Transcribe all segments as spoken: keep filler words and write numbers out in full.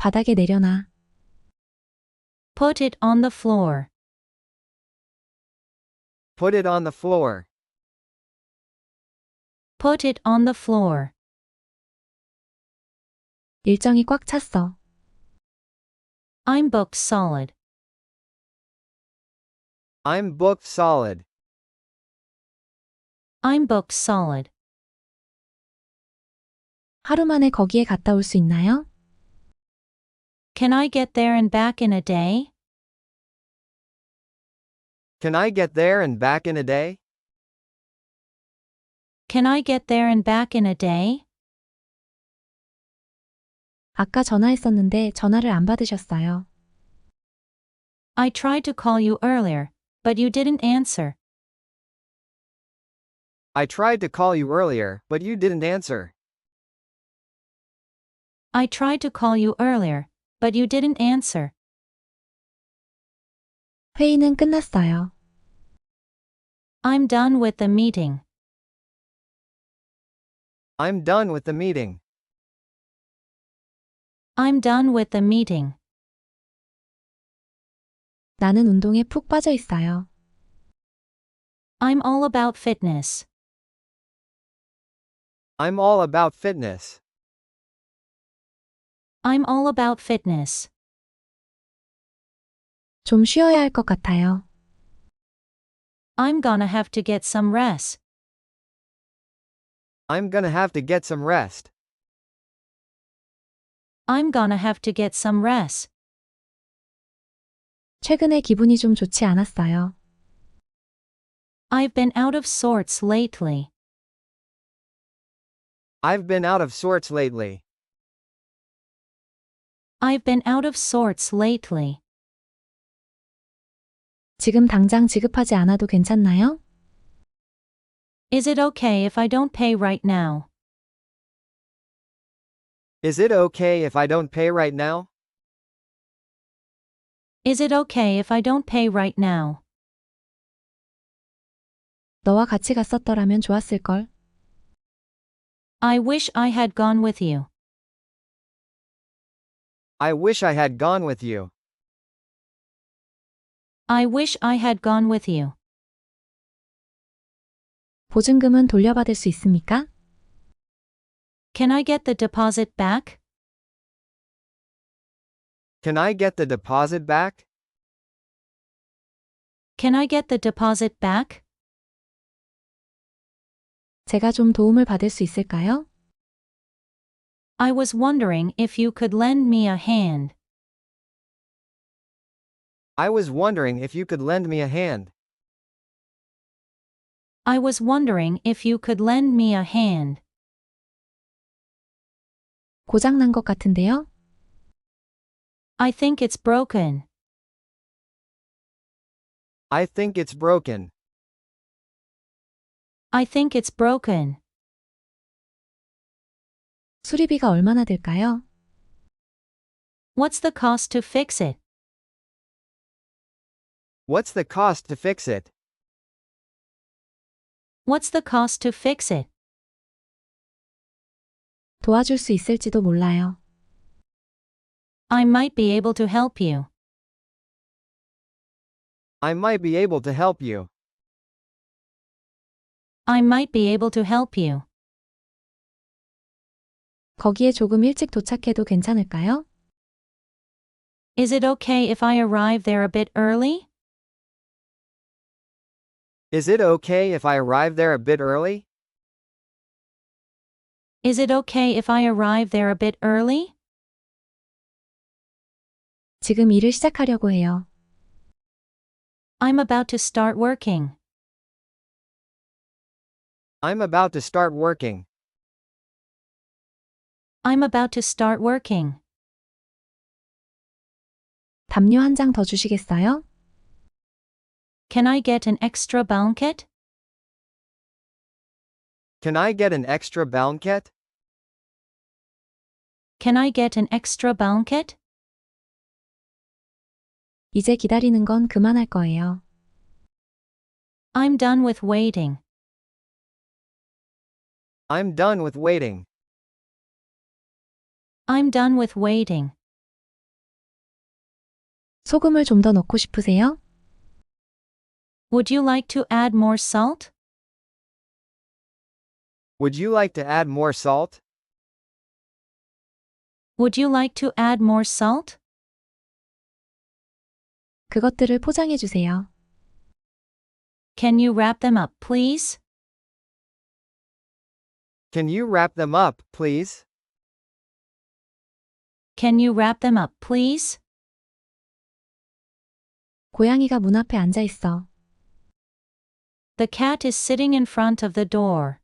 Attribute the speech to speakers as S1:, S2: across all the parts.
S1: 바닥에 내려놔.
S2: Put it on the floor.
S3: Put it on the floor.
S2: Put it on the floor.
S1: 일정이 꽉 찼어.
S2: I'm booked solid.
S3: I'm booked solid.
S2: I'm booked solid.
S1: 하루 만에 거기에 갔다 올 수 있나요?
S2: Can I get there and back in a day?
S3: Can I get there and back in a day?
S2: Can I get there and back in a day?
S1: 아까 전화했었는데 전화를 안 받으셨어요.
S2: I tried to call you earlier, but you didn't answer.
S3: I tried to call you earlier, but you didn't answer.
S2: I tried to call you earlier, but you didn't answer.
S1: 회의는 끝났어요.
S2: I'm done with the meeting.
S3: I'm done with the meeting.
S2: I'm done with the meeting.
S1: 나는 운동에 푹 빠져 있어요.
S2: I'm all about fitness.
S3: I'm all about fitness.
S2: I'm all about fitness.
S1: 좀 쉬어야 할 것 같아요.
S2: I'm gonna have to get some rest.
S3: I'm gonna have to get some rest.
S2: I'm gonna have to get some rest.
S1: 최근에 기분이 좀 좋지 않았어요.
S2: I've been out of sorts lately.
S3: I've been out of sorts lately.
S2: I've been out of sorts lately.
S1: 지금 당장 지급하지 않아도 괜찮나요?
S2: Is it okay if I don't pay right now?
S3: Is it okay if I don't pay right now?
S2: Is it okay if I don't pay right now?
S1: 너와 같이 갔었더라면 좋았을걸.
S2: I wish I had gone with you.
S3: I wish I had gone with you.
S2: I wish I had gone with you.
S1: 보증금은 돌려받을 수 있습니까?
S2: Can I get the deposit back?
S3: Can I get the deposit back?
S2: Can I get the deposit back?
S1: 제가 좀 도움을 받을 수 있을까요?
S2: I was wondering if you could lend me a hand.
S3: I was wondering if you could lend me a hand.
S2: I was wondering if you could lend me a hand.
S1: 고장 난 것 같은데요?
S2: I think it's broken.
S3: I think it's broken.
S2: I think it's broken.
S1: 수리비가 얼마나 들까요?
S2: What's the cost to fix it?
S3: What's the cost to fix it?
S2: What's the cost to fix it?
S1: 도와줄 수 있을지도 몰라요.
S2: I might be able to help you.
S3: I might be able to help you.
S2: I might be able to help you.
S1: 거기에 조금 일찍 도착해도 괜찮을까요?
S2: Is it okay if I arrive there a bit early?
S3: Is it okay if I arrive there a bit early?
S2: Is it okay if I arrive there a bit early?
S1: 지금 일을 시작하려고 해요.
S2: I'm about to start working.
S3: I'm about to start working.
S2: I'm about to start working.
S1: 담요 한 장 더 주시겠어요?
S2: Can I get an extra blanket?
S3: Can I get an extra blanket?
S2: Can I get an extra blanket?
S1: 이제 기다리는 건 그만할 거예요.
S2: I'm done with waiting.
S3: I'm done with waiting.
S2: I'm done with waiting.
S1: 소금을 좀 더 넣고 싶으세요?
S2: Would you like to add more salt?
S3: Would you like to add more salt?
S2: Would you like to add more salt?
S1: 그것들을 포장해 주세요.
S2: Can you wrap them up, please?
S3: Can you wrap them up, please?
S2: Can you wrap them up, please?
S1: 고양이가 문 앞에 앉아 있어.
S2: The cat is sitting in front of the door.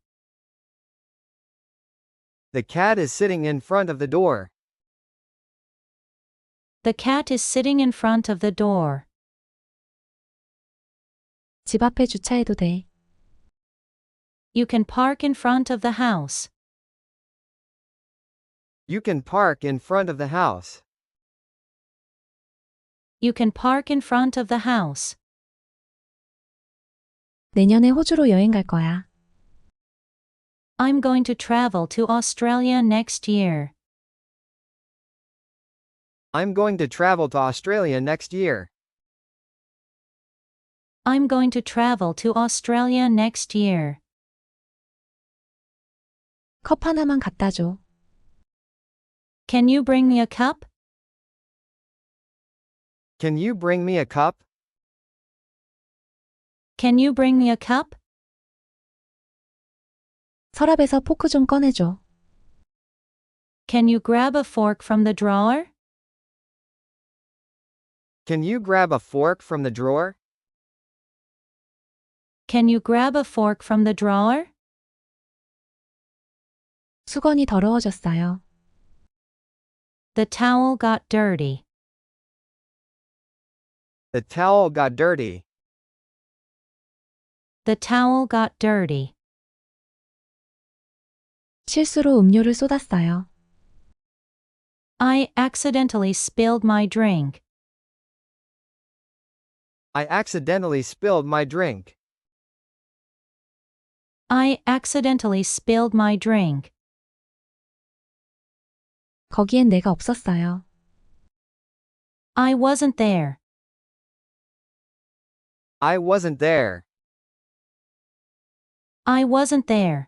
S3: The cat is sitting in front of the door.
S2: The cat is sitting in front of the door.
S1: 집 앞에 주차해도 돼.
S2: You can park in front of the house.
S3: You can park in front of the house.
S2: You can park in front of the house.
S1: 내년에 호주로 여행 갈 거야.
S2: I'm going to travel to Australia next year.
S3: I'm going to travel to Australia next year.
S2: I'm going to travel to Australia next year.
S1: 컵 하나만 갖다 줘.
S2: Can you bring me a cup?
S3: Can you bring me a cup?
S2: Can you bring me a cup?
S1: 서랍에서 포크 좀 꺼내줘.
S2: Can you grab a fork from the drawer?
S3: Can you grab a fork from the drawer?
S2: Can you grab a fork from the drawer?
S1: 수건이 더러워졌어요.
S2: The towel got dirty.
S3: The towel got dirty.
S2: The towel got dirty.
S1: 실수로 음료를 쏟았어요.
S2: I accidentally spilled my drink.
S3: I accidentally spilled my drink.
S2: I accidentally spilled my drink.
S1: 거기엔 내가 없었어요.
S2: I wasn't there.
S3: I wasn't there.
S2: I wasn't there.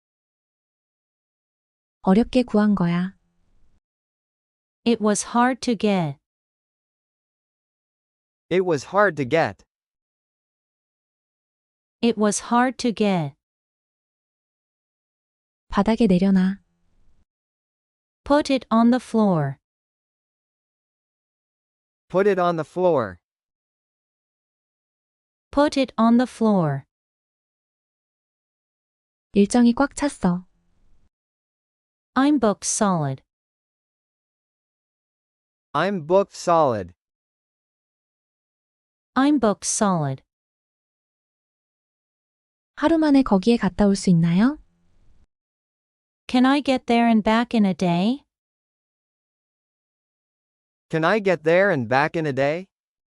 S1: 어렵게 구한 거야.
S2: It was hard to get.
S3: It was hard to get.
S2: It was hard to get.
S1: 바닥에 내려놔.
S2: Put it on the floor.
S3: Put it on the floor.
S2: Put it on the floor.
S1: 일정이 꽉 찼어.
S2: I'm booked solid.
S3: I'm booked solid.
S2: I'm booked solid.
S1: 하루 만에 거기에 갔다 올 수 있나요?
S2: Can I get there and back in a day?
S3: Can I get there and back in a day?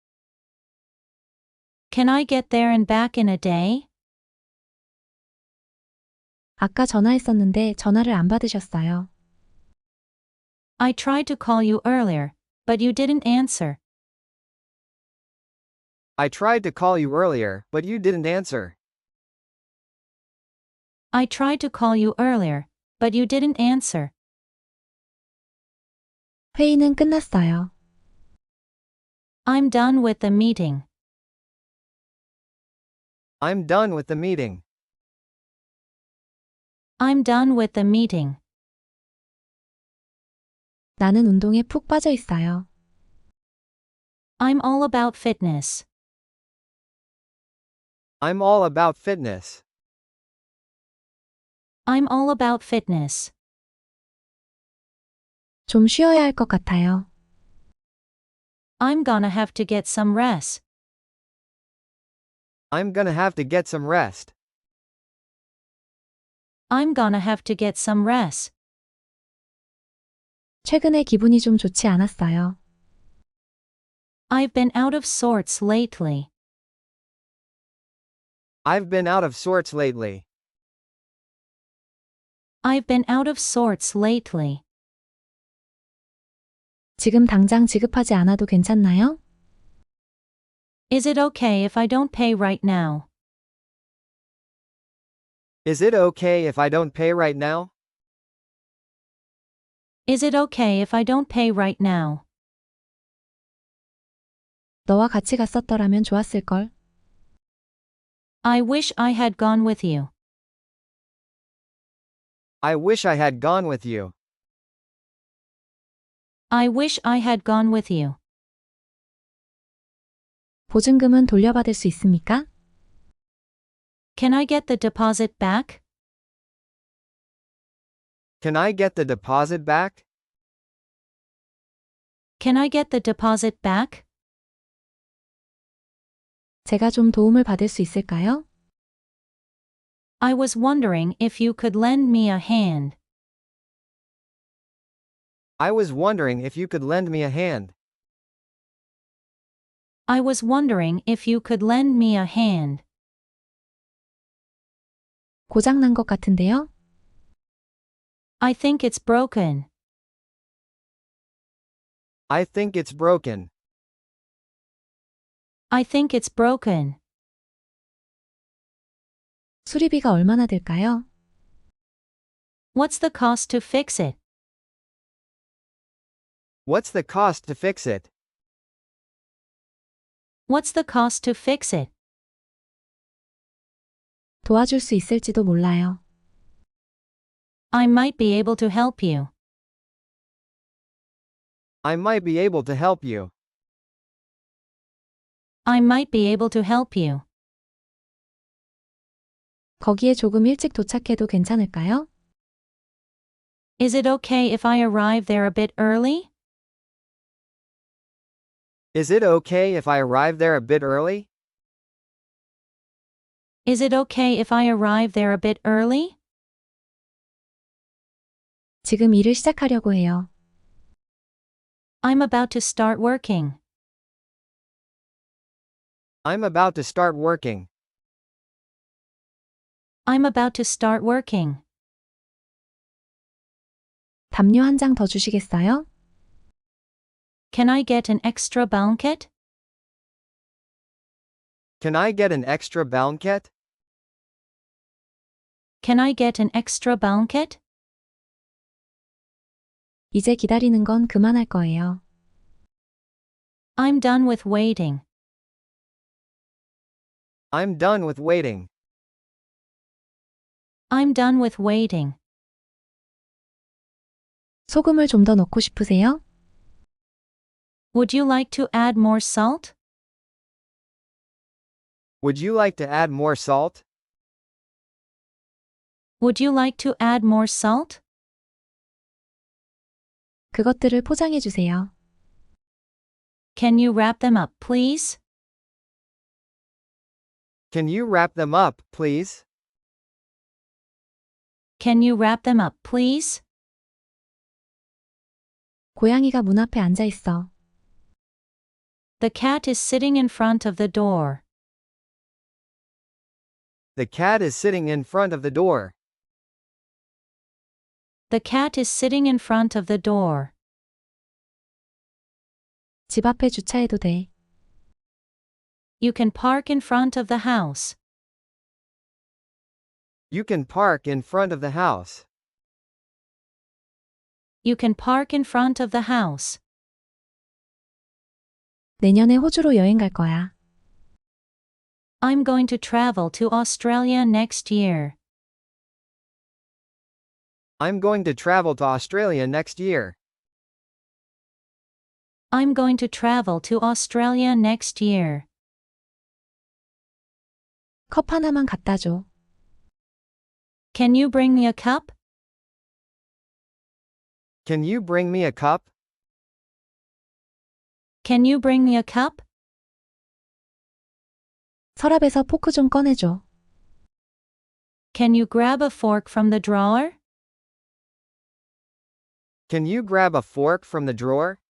S2: Can I get there and back in a day?
S1: 아까 전화했었는데 전화를 안 받으셨어요.
S2: I tried to call you earlier, but you didn't answer.
S3: I tried to call you earlier, but you didn't answer.
S2: I tried to call you earlier, but you didn't answer.
S1: 회의는 끝났어요.
S2: I'm done with the meeting.
S3: I'm done with the meeting.
S2: I'm done with the meeting.
S1: 나는 운동에 푹 빠져 있어요.
S2: I'm all about fitness.
S3: I'm all about fitness.
S2: I'm all about fitness.
S1: 좀 쉬어야 할 것 같아요.
S2: I'm gonna have to get some rest.
S3: I'm gonna have to get some rest.
S2: I'm gonna have to get some rest.
S1: 최근에 기분이 좀 좋지 않았어요.
S2: I've been out of sorts lately.
S3: I've been out of sorts lately.
S2: I've been out of sorts lately.
S1: 지금 당장 지급하지 않아도 괜찮나요?
S2: Is it okay if I don't pay right now?
S3: Is it okay if I don't pay right now?
S2: Is it okay if I don't pay right now?
S1: 너와 같이 갔었더라면 좋았을걸.
S2: I wish I had gone with you.
S3: I wish I had gone with you.
S2: I wish I had gone with you.
S1: 보증금은 돌려받을 수 있습니까?
S2: Can I get the deposit back?
S3: Can I get the deposit back?
S2: Can I get the deposit back?
S1: 제가 좀 도움을 받을 수 있을까요?
S2: I was wondering if you could lend me a hand.
S3: I was wondering if you could lend me a hand.
S2: I was wondering if you could lend me a hand.
S1: 고장난 것 같은데요?
S2: I think it's broken.
S3: I think it's broken.
S2: I think it's broken.
S1: 수리비가 얼마나 들까요?
S2: What's the cost to fix it?
S3: What's the cost to fix it?
S2: What's the cost to fix it?
S1: 도와줄 수 있을지도 몰라요.
S2: I might be able to help you.
S3: I might be able to help you.
S2: I might be able to help you.
S1: 거기에 조금 일찍 도착해도 괜찮을까요?
S2: Is it okay if I arrive there a bit early?
S3: Is it okay if I arrive there a bit early?
S2: Is it okay if I arrive there a bit early?
S1: 지금 일을 시작하려고 해요.
S2: I'm about to start working.
S3: I'm about to start working.
S2: I'm about to start working.
S1: 담요 한 장 더 주시겠어요?
S2: Can I get an extra blanket?
S3: Can I get an extra blanket?
S2: Can I get an extra blanket?
S1: 이제 기다리는 건 그만할 거예요.
S2: I'm done with waiting.
S3: I'm done with waiting.
S2: I'm done with waiting.
S1: 소금을 좀 더 넣고 싶으세요?
S2: Would you like to add more salt?
S3: Would you like to add more salt?
S2: Would you like to add more salt?
S1: 그것들을 포장해 주세요.
S2: Can you wrap them up, please?
S3: Can you wrap them up, please?
S2: Can you wrap them up, please?
S1: 고양이가 문 앞에 앉아 있어.
S2: The cat is sitting in front of the door.
S3: The cat is sitting in front of the door.
S2: The cat is sitting in front of the door.
S1: 집 앞에 주차해도 돼.
S2: You can park in front of the house.
S3: You can park in front of the house.
S2: You can park in front of the house.
S1: 내년에 호주로 여행 갈 거야.
S2: I'm going to travel to Australia next year.
S3: I'm going to travel to Australia next year.
S2: I'm going to travel to Australia next year.
S1: 컵 하나만 갖다 줘.
S2: Can you bring me a cup?
S3: Can you bring me a cup?
S2: Can you bring me a cup?
S1: 서랍에서 포크 좀 꺼내줘.
S2: Can you grab a fork from the drawer?
S3: Can you grab a fork from the drawer?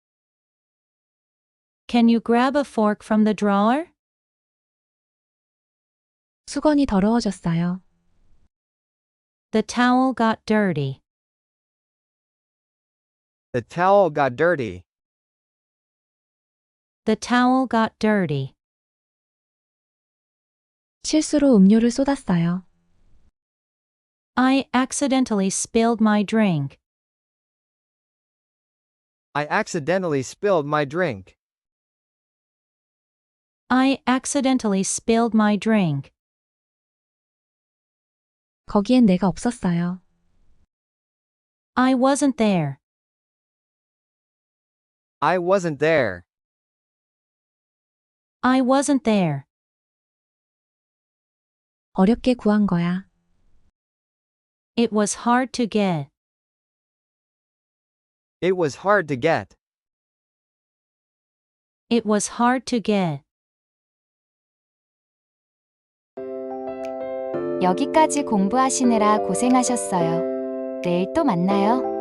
S2: Can you grab a fork from the drawer?
S1: 수건이 더러워졌어요.
S2: The towel got dirty.
S3: The towel got dirty.
S2: The towel got dirty.
S1: 실수로 음료를 쏟았어요.
S2: I accidentally spilled my drink.
S3: I accidentally spilled my drink.
S2: I accidentally spilled my drink.
S1: 거기엔 내가 없었어요.
S2: I wasn't there.
S3: I wasn't there.
S2: I wasn't there.
S1: 어렵게 구한 거야.
S2: It was hard to get.
S3: It was hard to get.
S2: It was hard to get.
S4: 여기까지 공부하시느라 고생하셨어요. 내일 또 만나요.